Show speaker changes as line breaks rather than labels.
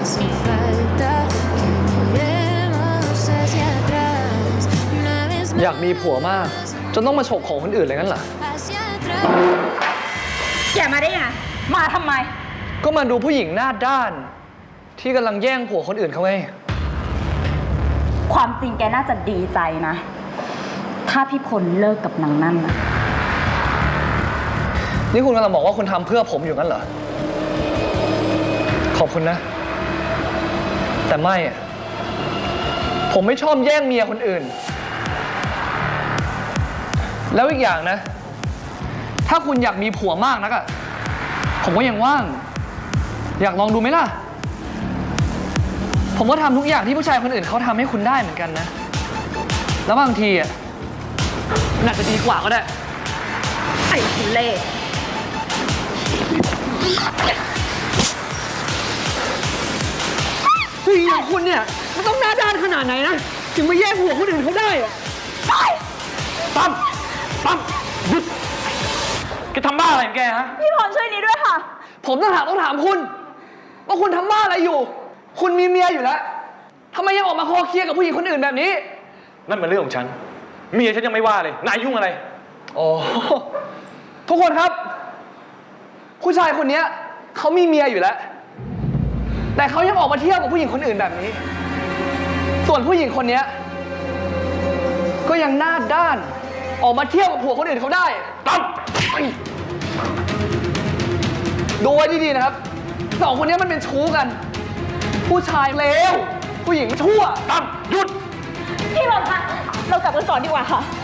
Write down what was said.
อยากมีผัวมากจนต้องมาฉกของคนอื่นเลยงั้นเหรอ
แกมาได้ไงมาทำไม
ก็มาดูผู้หญิงหน้าด้านที่กำลังแย่งผัวคนอื่นเขาไง
ความจริงแกน่าจะดีใจนะถ้าพี่พลเลิกกับนางนั่นนะ
นี่คุณกำลังบอกว่าคุณทำเพื่อผมอยู่งั้นเหรอขอบคุณนะแต่ไม่ผมไม่ชอบแย่งเมียคนอื่นแล้วอีกอย่างนะถ้าคุณอยากมีผัวมากนักอะผมก็ยังว่างอยากลองดูไหมล่ะผมก็ทำทุกอย่างที่ผู้ชายคนอื่นเขาทำให้คุณได้เหมือนกันนะแล้วบางทีอะมันอาจจะดีกว่าก็ได้
ไอ้ทุเล่
ผู้หญิงอย่างคุณเนี่ยมันต้องหน้าด้านขนาดไหนนะถึงมาแย่งผัวคนอื่นเขาได้อะตั้มหยุดแกทำบ้าอะไรของแกฮะ
พี่พรช่วยนี้ด้วยค่ะ
ผมต้องถามคุณว่าคุณทำบ้าอะไรอยู่คุณมีเมียอยู่แล้วทำไมยังออกมาคอเคลียร์กับผู้หญิงคนอื่นแบบนี้
นั่นเป็นเรื่องของฉันเมียฉันยังไม่ว่าเลยนายยุ่งอะไร
โอ้ทุกคนครับผู้ชายคนนี้เขามีเมียอยู่แล้วแต่เขายังออกมาเที่ยวกับผู้หญิงคนอื่นแบบนี้ส่วนผู้หญิงคนนี้ก็ยังหน้าด้านออกมาเที่ยวกับผัวคนอื่นเขาได้ตั้มดูไว้ดีๆนะครับสองคนนี้มันเป็นชู้กันผู้ชายเลวผู้หญิงชั่วตั้มหยุด
พี่พรคะเรากลับกันก่อนดีกว่าค่ะ